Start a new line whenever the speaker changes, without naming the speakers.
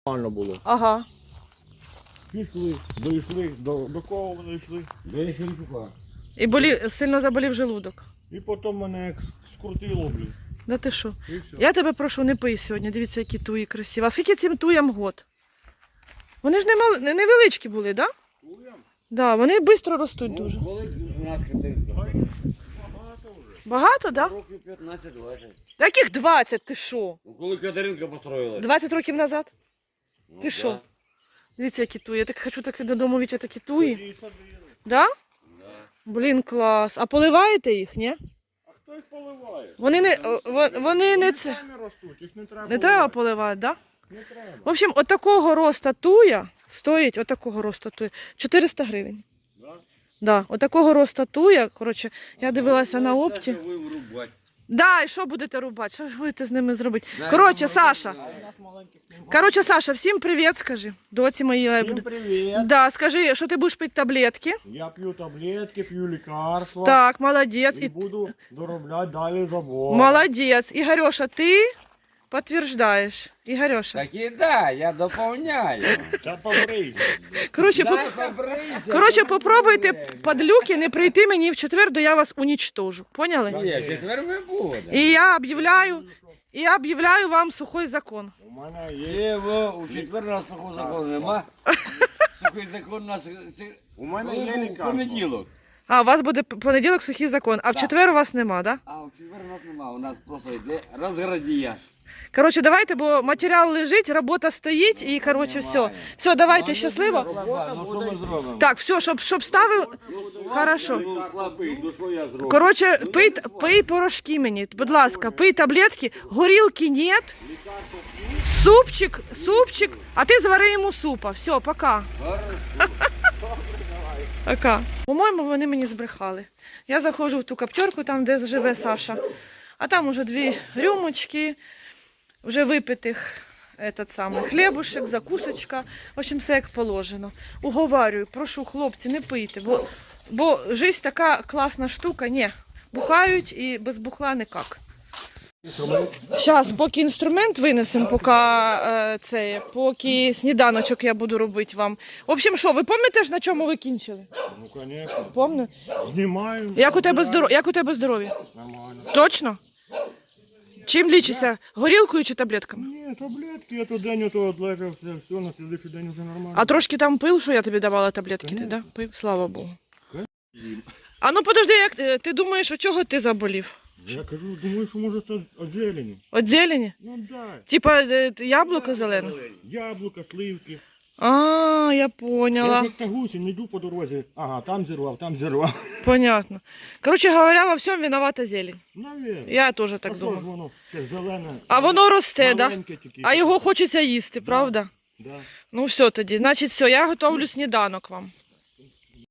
нормально було.
Ага.
Пішли, дійшли, до кого вони йшли.
До Яхимчука.
І сильно заболів желудок.
І потім мене як скрутило, блін.
Да ти що?
І все.
Я тебе прошу, не пий сьогодні. Дивіться, які туї красиві. А скільки цим туям год? Вони ж невеличкі були, так? Да?
Туям?
Да, вони швидко ростуть дуже.
Ну, коли у нас Катеринка?
Багато вже.
Багато, так? Да?
Років 15-20.
Яких 20? Ти що?
Ну, коли Катеринка построїлась.
20 років назад?
Ну,
Ти
да.
що? Дивіться, які туї. Я так хочу так додому вічати такі туї.
Тоді і садили.
Да?
Да.
Блін, клас. А поливаєте їх, ні?
А хто їх поливає?
Вони не це.
Самі ростуть, їх не треба
Не треба поливати, так? Да?
Не треба.
В общем, отакого роста туя стоїть, отакого роста туя, 400 гривень.
Да?
Да, отакого роста туя, коротше, я дивилася на
Ну,
опті.
Саша, ви врубать.
Да, і що будете рубати? Що будете з ними зробити?
Да,
Коротше,
ну,
Саша. Коротше, Саша, всім привіт, скажи. Доці моїй.
Всім привіт.
Да, скажи, що ти будеш пити таблетки.
Я п'ю таблетки, п'ю лікарства.
Так, молодець.
І буду доробляти далі забор.
Молодець. Ігорьоша, ти підтверджуєш. Ігорьоша.
Так і да, я доповняю.
Та побрийся.
Коротше,
Дай побрийся.
Коротше, попробуйте падлюки не прийти мені в четвер, то я вас унічтожу. Поняли?
Ні, в четвер ми будемо.
І я об'являю вам сухой закон.
У мене є.
Єво, у четвер у нас сухого закону нема. Сухий закон у нас
У мене є
у
лікарство.
понеділок.
А, у вас буде понеділок сухий закон, а в четвер у вас нема, да?
А у четвер у нас нема, у нас просто йде розградіяж.
Коротше, давайте, бо матеріал лежить, робота стоїть і, коротше, все. Все, давайте, щасливо.
Ну що ми зробимо?
Так, все, щоб ставив. Хорошо.
Ну слабий, ну що я зроблю?
Коротше, пий порошки мені, будь ласка, пий таблетки, горілки нет, супчик, а ти звари йому супа. Все, пока. Пока. По-моєму, вони мені збрехали. Я заходжу в ту коптерку, там, де живе Саша, а там уже 2 рюмочки, вже випитих хлібушек, закусочка, в общем, все як положено. Уговарюю, прошу, хлопці, не пийте, бо життя така класна штука, ні, бухають і без бухла ніяк. Зараз, поки інструмент винесемо, поки сніданочок я буду робити вам. В общем, що, ви пам'ятаєте ж, на чому ви кінчили?
Ну, звісно.
Пам'ятаєте?
Знімаємо.
Як у тебе здоров'я?
Нормально.
Точно? Чим лічишся? Горілкою чи таблетками?
Ні, таблетки, я то день ото одлежав, все, на слідчий день вже нормально.
А трошки там пив, що я тобі давала таблетки, ти,
Конечно.
да? Пив? Слава Богу. А ну подожди, як ти думаєш, от чого ти заболів?
Я кажу, думаю, що може це від зелені.
От зелені?
Ну да.
Типа яблуко зелене?
Яблука, сливки.
А, я
Я
поняла.
ж як та гусінь, йду по дорозі. Ага, там зірвав.
Понятно. Короче говоря, во всем виновата зелень.
Навірно.
Я теж
А
так
що ж
думаю.
воно? Це зелене.
А воно росте, да?
Маленьке тільки.
А його хочеться їсти, правда?
Да.
Ну все тоді. Значить, все, я готовлю сніданок вам.